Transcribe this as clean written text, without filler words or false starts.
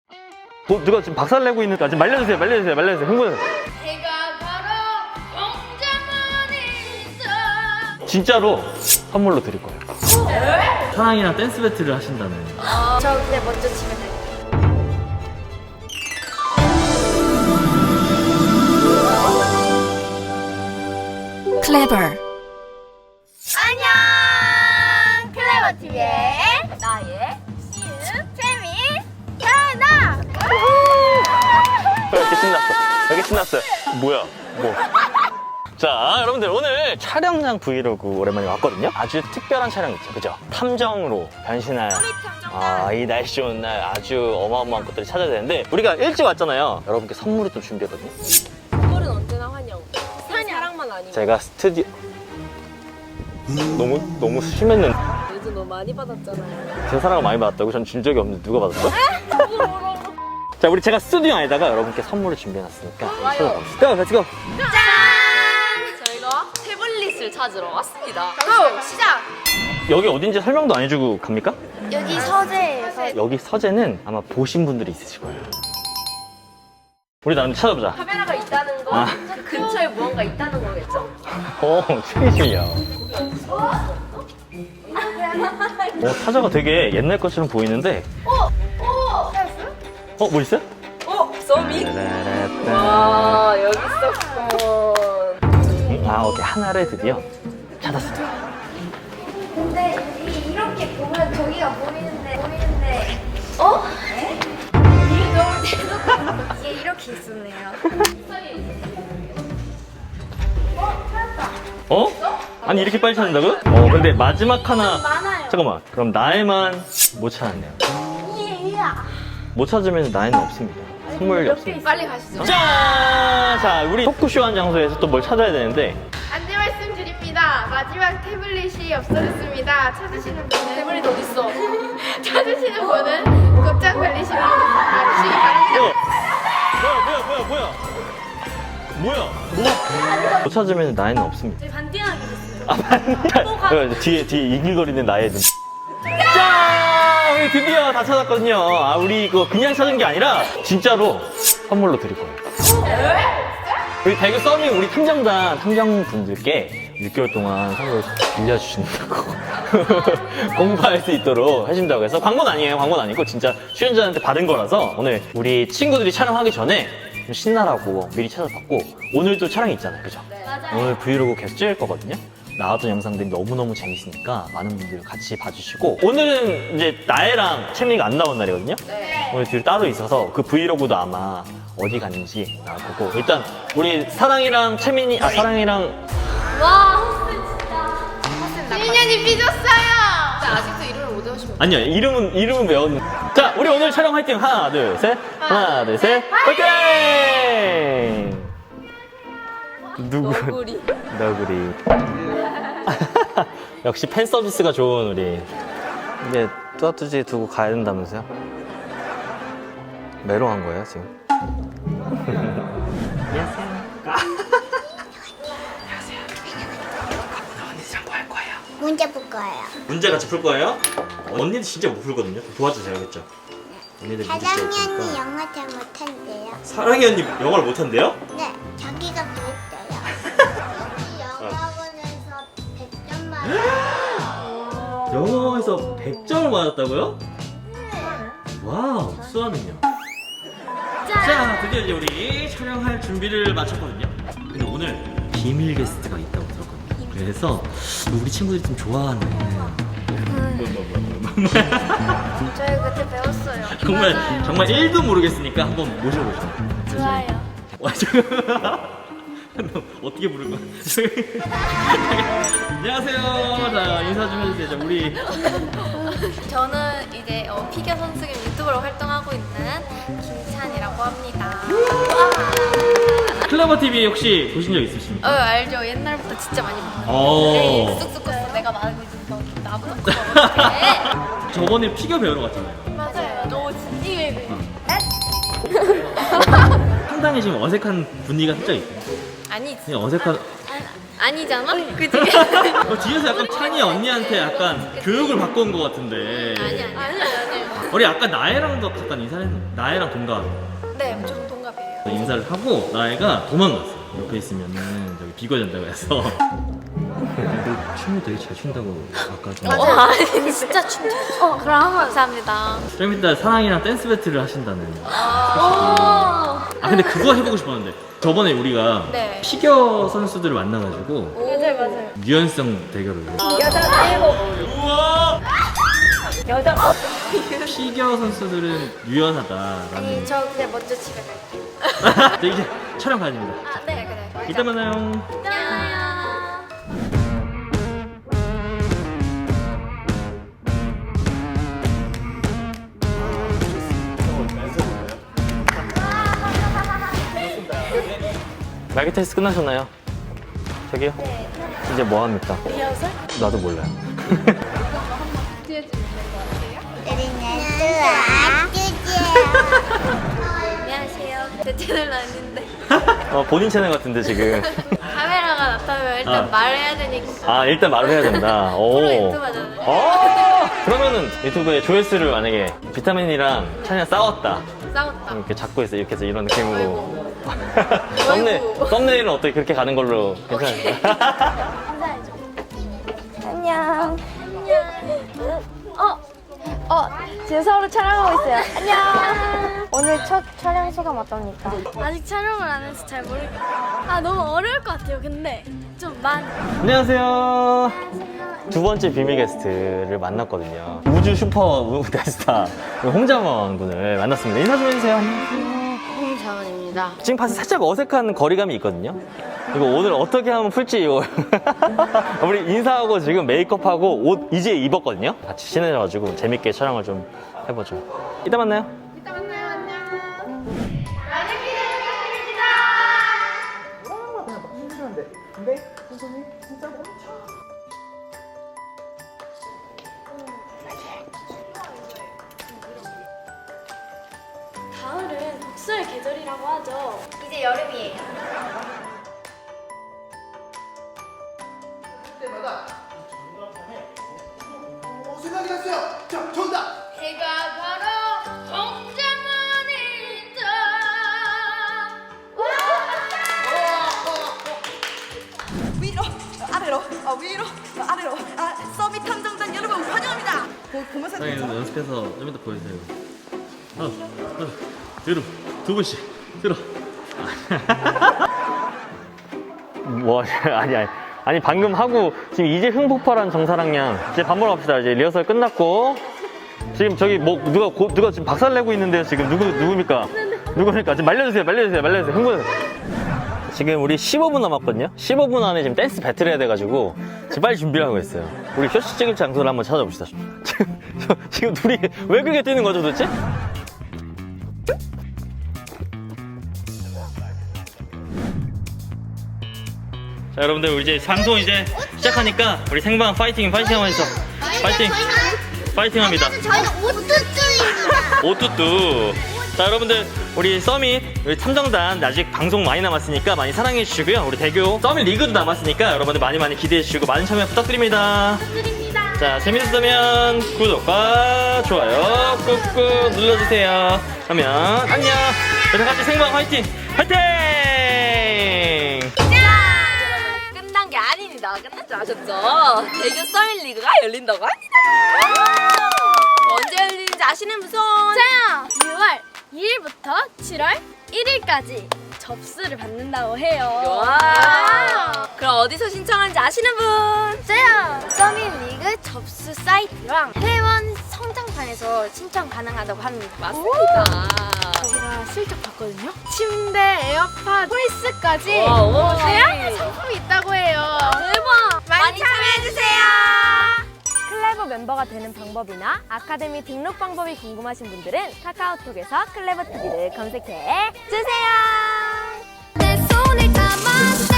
누가 지금 박살내고 있는, 지금 말려주세요, 흥분. 제가 바로 공자만이다. 진짜로 선물로 드릴 거예요. 사랑이랑 댄스 배틀을 하신다는. 저 근데 먼저 집에 갈게요. Clever. 안녕! 클레버TV의 나의 시은 재미 야나! 왜 이렇게 신났어요? 뭐야? 뭐? 자, 여러분들 오늘 촬영장 브이로그 오랜만에 왔거든요. 아주 특별한 촬영 있죠, 그죠? 탐정으로 변신할 이 날씨 좋은 날 아주 어마어마한 것들이 찾아야 되는데 우리가 일찍 왔잖아요. 여러분께 선물을 좀 준비했거든요. 선물은 언제나 환영. 사랑만 아니고. 제가 스튜디오 너무 심했는데 요즘 너무 많이 받았잖아요. 제 사랑을 많이 받았다고? 전 준 적이 없는데 누가 받았어? 자, 제가 스튜디오 안에다가 여러분께 선물을 준비해놨으니까 찾아갑시다. Let's go! 저희가 태블릿을 찾으러 왔습니다. 고! 시작! 여기 어딘지 설명도 안 해주고 갑니까? 여기 서재에서 여기 서재는 아마 보신 분들이 있으실 거예요. 우리 나름 찾아보자. 카메라가 있다는 건 그 근처에 무언가 있다는 거겠죠? 최기심이야. 타자가 되게 옛날 것처럼 보이는데. 뭐 있어요? 써미? 와, 여기 있었군. 오케이. 하나를 드디어 찾았습니다. 근데 여기 이렇게 보면 저기가 보이는데 네? 이게 너무 대놓고 이게 이렇게 있었네요. 아니 이렇게 빨리 찾는다고요? 근데 마지막 하나. 많아요. 잠깐만. 그럼 나에만 못 찾았네요. 못 찾으면 나에는 없습니다. 선물이 없습니다. 빨리 가시죠. 자, 우리 토크쇼 한 장소에서 또 뭘 찾아야 되는데. 안내 말씀드립니다. 마지막 태블릿이 없어졌습니다. 찾으시는 분은 태블릿 어딨어? 찾으시는 분은 곧장 걸리시기 바랍니다. 뭐야? 못 찾으면 나에는 없습니다. 저희 반띵하게 됐어요. 뒤에 이글거리는 나의 눈. 짠! 우리 드디어 다 찾았거든요. 우리 이거 그냥 찾은 게 아니라 진짜로 선물로 드릴 거예요. 우리 대구 서밍 우리 탐정분들께 6개월 동안 선물을 빌려주신다고 공부할 수 있도록 해준다고 해서 광고는 아니에요. 광고는 아니고 진짜 출연자한테 받은 거라서 오늘 우리 친구들이 촬영하기 전에 좀 신나라고 미리 찾아봤고 오늘도 촬영이 있잖아요. 그죠? 오늘 브이로그 계속 찍을 거거든요. 나왔던 영상들이 너무너무 재밌으니까 많은 분들 같이 봐주시고 오늘은 이제 나애랑 채민이가 안 나온 날이거든요. 오늘 둘이 따로 있어서 그 브이로그도 아마 어디 갔는지 나올 거고 일단 우리 사랑이랑 채민이 사랑이랑 와, 호스 진짜. 지민이 삐졌어요. 아직도 이름을 못 외우시면 아니요 이름은 외웠는데 자 우리 오늘 촬영 화이팅 하나 둘 셋 화이팅 누구 너구리. 너구리 역시 팬 서비스가 좋은 우리 이게 뚜아뚜지 두고 가야 된다면서요? 메롱한 거예요 지금? 안녕하세요. 언니랑 뭐 할 거예요? 문제 볼 거예요. 문제 같이 풀 거예요? 언니도 진짜 못 풀거든요. 도와주세요, 알겠죠? 언니들 문제 잘 사랑이 언니 풀니까. 영어 잘 못한대요. 사랑이 언니 영어를 못한대요? 네, 자기가 그랬어요. 영어 학원에서 100점 맞았어요. 영어에서 100점을 맞았다고요? 와우, 수아는요? 자, 드디어 이제 우리 촬영할 준비를 마쳤거든요. 근데 오늘 비밀 게스트가 있다고 들었거든요. 그래서 우리 친구들이 좀 좋아하는 저희 그때 배웠어요. 정말 1도 모르겠으니까 한번 모셔보죠. 좋아요. 와, 너 어떻게 부른 거야? 안녕하세요. 자, 인사 좀 해주세요. 자, 우리 저는 이제 피겨 선수 겸 유튜버로 활동하고 있는 김찬이라고 합니다. 클레버 TV 혹시 보신 적 있으십니까? 알죠. 옛날부터 진짜 많이 봤어요. 오. 쑥쑥 컸어. 내가 말하고 있는 거 나보다 커. 저번에 피겨 배우러 갔잖아요. 맞아요. 너 진지해. 상당히 지금 어색한 분위기가 살짝 있어요. 아니지. 그냥 어색한. 아니잖아? 그지? 뒤에서 약간 찬이 언니한테 약간 교육을 받고 온 것 같은데. 아니. 우리 아까 나혜랑도 잠깐 인사를 했나? 나혜랑 동갑. 네, 좀 동갑이에요. 인사를 하고 나혜가 도망갔어. 옆에 있으면은 저기 비거전자가 해서. 춤을 되게 잘 춘다고 아까 좀. 맞아요. 진짜 춤 잘 춰. 그럼 한번 감사합니다. 좀 이따 사랑이랑 댄스 배틀을 하신다는. 아 근데 그거 해보고 싶었는데 저번에 우리가 네. 피겨 선수들을 만나가지고 맞아요. 유연성 대결을. 우와! 피겨 선수들은 유연하다라는. 아니, 저 그냥 먼저 집에 갈게요. 네, 이제 촬영 가야 됩니다. 아, 네, 그래. 이따 만나요. 안녕. 말기 테스트 끝나셨나요? 저기요? 네. 이제 뭐 합니까? 리허설? 나도 몰라요. 안녕하세요. 제 채널 아닌데. 본인 채널 같은데 지금. 카메라가 나타나면 일단 말해야 되니까. 아 일단 말을 해야 된다. 오. 프로 유튜버잖아요. 그러면은 유튜브에 조회수를 만약에 비타민이랑 찬이랑 싸웠다. 싸웠다. 이렇게 잡고 있어 이렇게 해서 이런 느낌으로. 아이고. 썸네일은 어떻게 그렇게 가는 걸로 괜찮아요? 안녕. 지금 서로 촬영하고 있어요. 안녕. 오늘 첫 촬영 소감 어떻습니까? 아직 촬영을 안 해서 잘 모르겠어요. 아, 너무 어려울 것 같아요. 근데 좀 많이. 안녕하세요. 두 번째 비밀 게스트를 만났거든요. 우주 슈퍼 대스타 홍자원 군을 만났습니다. 인사 좀 해주세요. 홍자원입니다. 지금 봐서 살짝 어색한 거리감이 있거든요. 이거 오늘 어떻게 하면 풀지 이거. 우리 인사하고 지금 메이크업하고 옷 이제 입었거든요. 같이 친해져가지고 재밌게 촬영을 좀 해보죠. 이따 만나요. 이따 만나요. 안녕. 가을은 독서의 계절이라고 하죠. 이제 여름이에요. 생각이 났어요. 자, 정답. 제가 바로 홍자문이죠. 위로 아래로 위로 아래로 서밋 탐정단 여러분 환영합니다. 보면서 사장님 연습해서 좀 이따 보여주세요. 하나, 뒤로 두 분씩 들어. 뭐 아니 방금 하고 지금 이제 흥폭발한 정사랑 양 이제 밥 먹으러 갑시다. 이제 리허설 끝났고 지금 저기 뭐 누가 지금 박살 내고 있는데요. 지금 누굽니까? 지금 말려주세요. 흥분. 지금 우리 15분 남았거든요. 15분 안에 지금 댄스 배틀 해야 돼가지고 지금 빨리 준비를 하고 있어요. 우리 쇼츠 찍을 장소를 한번 찾아봅시다. 지금 둘이 왜 그렇게 뛰는 거죠 도대체? 자 여러분들 우리 이제 방송 이제 시작하니까 우리 생방 파이팅 하면서 파이팅 합니다. 저희는 오뚜뚜입니다. 오뚜뚜. 자 여러분들 우리 서밋 우리 탐정단 아직 방송 많이 남았으니까 많이 사랑해 주시고요. 우리 대교 서밋 리그도 남았으니까 여러분들 많이 기대해 주시고 많은 참여 부탁드립니다. 자 재밌었다면 구독과 좋아요 꾹꾹 눌러주세요. 그러면 안녕. 자 같이 생방 화이팅. 끝난 게 아닙니다. 끝난 줄 아셨죠? 대교 서밋 리그가 열린다고 합니다. 언제 열리는지 아시는 분? 저요. 6월 2일부터 7월 1일까지 접수를 받는다고 해요. 와. 그럼 어디서 신청하는지 아시는 분? 저요. 서밋리그 접수 사이트랑 회원 성장판에서 신청 가능하다고 합니다. 맞습니다. 제가 슬쩍 봤거든요. 침대, 에어팟, 홀스까지 와. 다양한 상품이 있다고 해요. 대박. 많이 참여해주세요. 클레버 멤버가 되는 방법이나 아카데미 등록 방법이 궁금하신 분들은 카카오톡에서 클레버 TV를 검색해 주세요. 내 손을 잡아